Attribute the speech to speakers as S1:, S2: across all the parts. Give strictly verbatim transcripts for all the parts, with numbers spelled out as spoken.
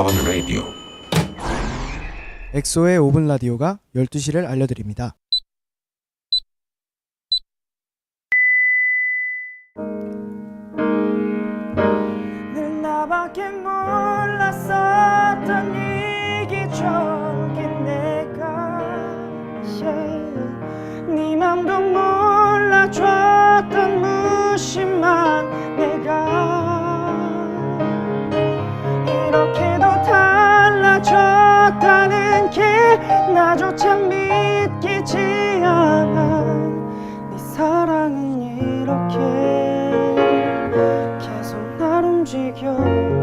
S1: 하원 라디오.
S2: 엑소의 오 분 라디오가 열두 시를 알려드립니다.
S3: 늘 나밖에 몰랐었던 이기적인 내가 yeah. 네 맘도 몰라줬던 무심한 내가 이렇게도 달라졌다는 게 나조차 믿기지 않아. 네 사랑은 이렇게 계속 날 움직여.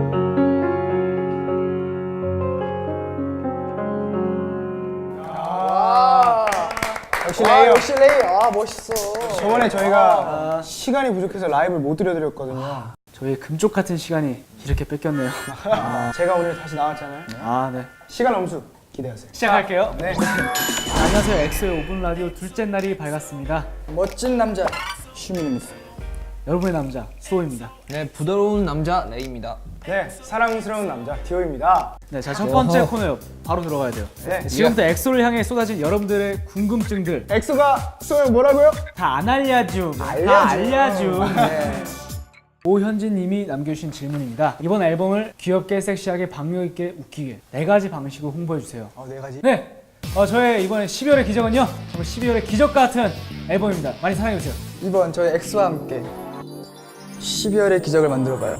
S4: 역시 레이
S5: 역시 레이. 아 멋있어.
S4: 저번에 저희가 아, 시간이 부족해서 라이브를 못 들려드렸거든요.
S6: 아, 저희 금쪽 같은 시간이 이렇게 뺏겼네요.
S4: 아, 제가 오늘 다시 나왔잖아요.
S6: 아, 네.
S4: 시간 엄수 기대하세요.
S6: 시작할게요.
S4: 네.
S6: 안녕하세요. 엑소의 오 분 라디오 둘째 날이 밝았습니다.
S5: 멋진 남자 슈민입니다.
S6: 여러분의 남자 수호입니다.
S5: 네, 부드러운 남자 레이입니다.
S4: 네, 사랑스러운 남자 디오입니다.
S6: 네, 자, 첫 번째 코너요. 바로 들어가야 돼요.
S4: 네,
S6: 지금부터 엑소를 향해 쏟아진 여러분들의 궁금증들
S4: 엑소가 쏘면 뭐라고요?
S6: 다 안 알려줌.
S4: 알려줌.
S6: 다 알려줌.
S5: 네.
S6: 오현진 님이 남겨주신 질문입니다. 이번 앨범을 귀엽게, 섹시하게, 박력 있게, 웃기게 네 가지 방식으로 홍보해 주세요.
S4: 어, 네 가지.
S6: 네, 어, 저의 이번에 십이월의 기적은요, 정말 십이월의 기적 같은 앨범입니다. 많이 사랑해 주세요.
S5: 이번 저희 엑소와 함께 십이월의 기적을 만들어봐요.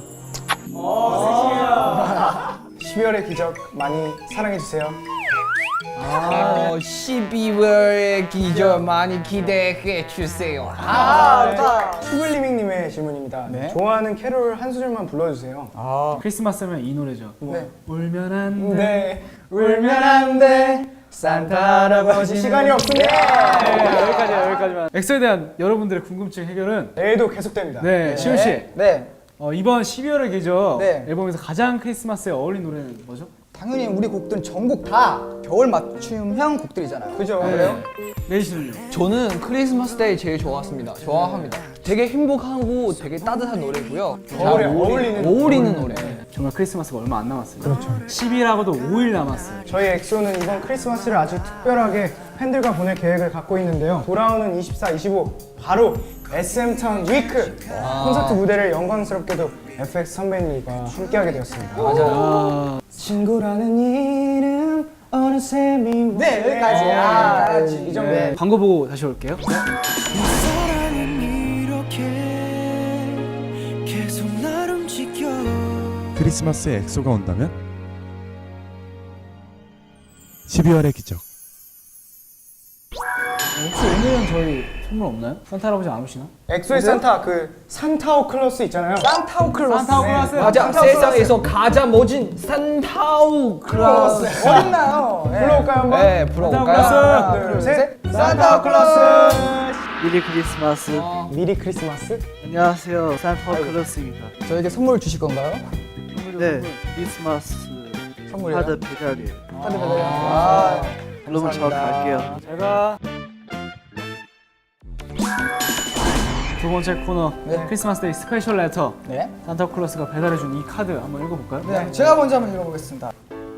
S4: 십이월의 기적 많이 사랑해주세요.
S5: 아, 십이월의 기적 많이 기대해 주세요.
S4: 슈글리밍님의 질문입니다.
S5: 네?
S4: 좋아하는 캐롤 한 소절만 불러주세요.
S6: 크리스마스면 이 노래죠.
S5: 네.
S6: 울면 안 돼.
S4: 네.
S5: 울면 안 돼. 산타 할아버지
S4: 시간이 없습니다.
S6: 네, 여기까지 여기까지만. 엑소에 대한 여러분들의 궁금증 해결은
S4: 내일도 계속됩니다.
S6: 네, 시훈 씨.
S5: 네.
S6: 어, 이번 십이월의 기적
S5: 네.
S6: 앨범에서 가장 크리스마스에 어울린 노래는 뭐죠?
S5: 당연히 우리 곡들은 전곡 다 겨울 맞춤형 곡들이잖아요.
S4: 그죠?
S6: 네.
S4: 그래요?
S6: 레이 씨는요?
S7: 저는 크리스마스 데이 제일 좋았습니다. 좋아합니다. 되게 행복하고 되게 따뜻한 노래고요.
S4: 겨울에 어울리는
S7: 어울리는 노래.
S6: 정말 크리스마스가 얼마 안 남았어요. 그렇죠. 십일하고도 오 일 남았어요.
S4: 저희 엑소는 이번 크리스마스를 아주 특별하게 팬들과 보낼 계획을 갖고 있는데요. 돌아오는 이십사, 이십오 바로 에스엠타운 위크 콘서트 무대를 영광스럽게도 에프엑스 선배님과 함께하게 되었습니다.
S6: 아,
S4: 친구라는 이름 어느새 미워.
S5: 네, 여기까지. 아,
S4: 여기까지. 이 정도.
S5: 네.
S6: 광고 보고 다시 올게요.
S2: 크리스마스에 엑소가 온다면? 십이월의 기적.
S6: 혹시 오늘은 저희 선물 없나요? 산타 할아버지 안 오시나?
S4: 엑소의 산타 그 산타오 클로스 있잖아요.
S5: 산타우클로스.
S6: 산타오 클라스.
S7: 맞아,
S4: 산타우
S7: 세상에서 가장 멋진 산타우 클라스.
S5: 어딨나요? 네.
S4: 불러올까요 한번?
S7: 네, 불러볼까요?
S4: 하나, 둘, 셋. 산타오 클로스.
S8: 미리 크리스마스.
S4: 미리 크리스마스?
S8: 안녕하세요. 산타클로스입니다.
S5: 저에게 선물 주실 건가요?
S8: 네, 크리스마스
S5: 선물이요?
S8: 카드 배달이에요.
S5: 카드 배달이요? 아,
S8: 여러분 저
S5: 감사합니다.
S8: 갈게요.
S6: 제가 두 번째 코너
S5: 네.
S6: 크리스마스 데이 스페셜 레터.
S5: 네.
S6: 산타클로스가 배달해준 이 카드 한번 읽어볼까요?
S5: 네, 제가 먼저 한번 읽어보겠습니다.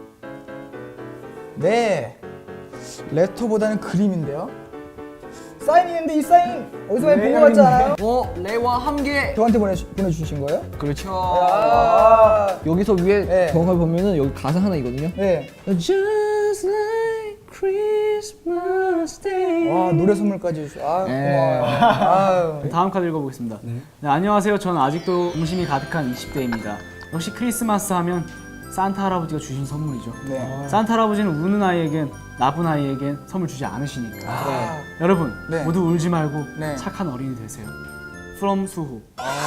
S5: 네, 레터보다는 그림인데요. 사인이 있는데 이 사인 어디서 많이 본 것 같지 않아요?
S7: 어, 레이와 함께.
S5: 저한테 보내, 보내주신 거예요?
S7: 그렇죠.
S5: 아,
S7: 여기서 위에
S5: 네.
S7: 정확하게 보면은 여기 가사 하나 있거든요.
S5: 네.
S7: Just like Christmas Day.
S5: 와, 노래 선물까지 주셔. 아,
S7: 네.
S5: 고마워요. 아유.
S6: 다음 카드 읽어보겠습니다. 네, 안녕하세요. 저는 아직도 음심이 가득한 이십 대입니다. 역시 크리스마스 하면 산타 할아버지가 주신 선물이죠.
S5: 네.
S6: 산타 할아버지는 우는 아이에겐 나쁜 아이에겐 선물 주지 않으시니까. 여러분
S5: 네.
S6: 모두 울지 말고
S5: 네.
S6: 착한 어린이 되세요. From 수호.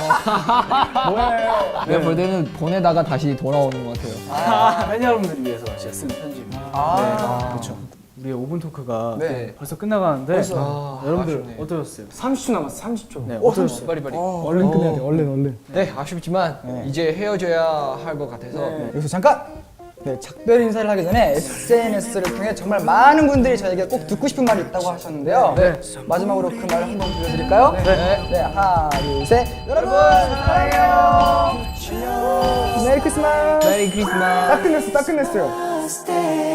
S7: 내가 볼 때는 보내다가 다시 돌아오는 것 같아요.
S6: 아, 팬 여러분들을 위해서 제가 쓴 편지입니다.
S5: 아,
S6: 그렇죠. 우리의 오 분 토크가
S5: 네.
S6: 벌써 끝나가는데
S5: 벌써.
S6: 아, 여러분들
S7: 아쉽네.
S6: 어떠셨어요?
S4: 삼십 초 남았어. 삼십 초.
S6: 네,
S5: 어,
S6: 어떠셨어요?
S7: 빨리 빨리.
S4: 얼른 끝내야 돼. 얼른 얼른.
S7: 네, 아쉽지만 이제 헤어져야 할 것 같아서.
S5: 여기서 잠깐! 네, 작별 인사를 하기 전에 에스엔에스를 통해 정말 많은 분들이 저에게 꼭 듣고 싶은 말이 있다고 하셨는데요.
S6: 네.
S5: 마지막으로 그 말을 한번 들려드릴까요?
S7: 네.
S5: 네, 하나, 둘, 셋. 여러분, 사랑해요! 메리 크리스마스.
S7: 메리 크리스마스.
S4: 딱 끝냈어, 딱 끝냈어요.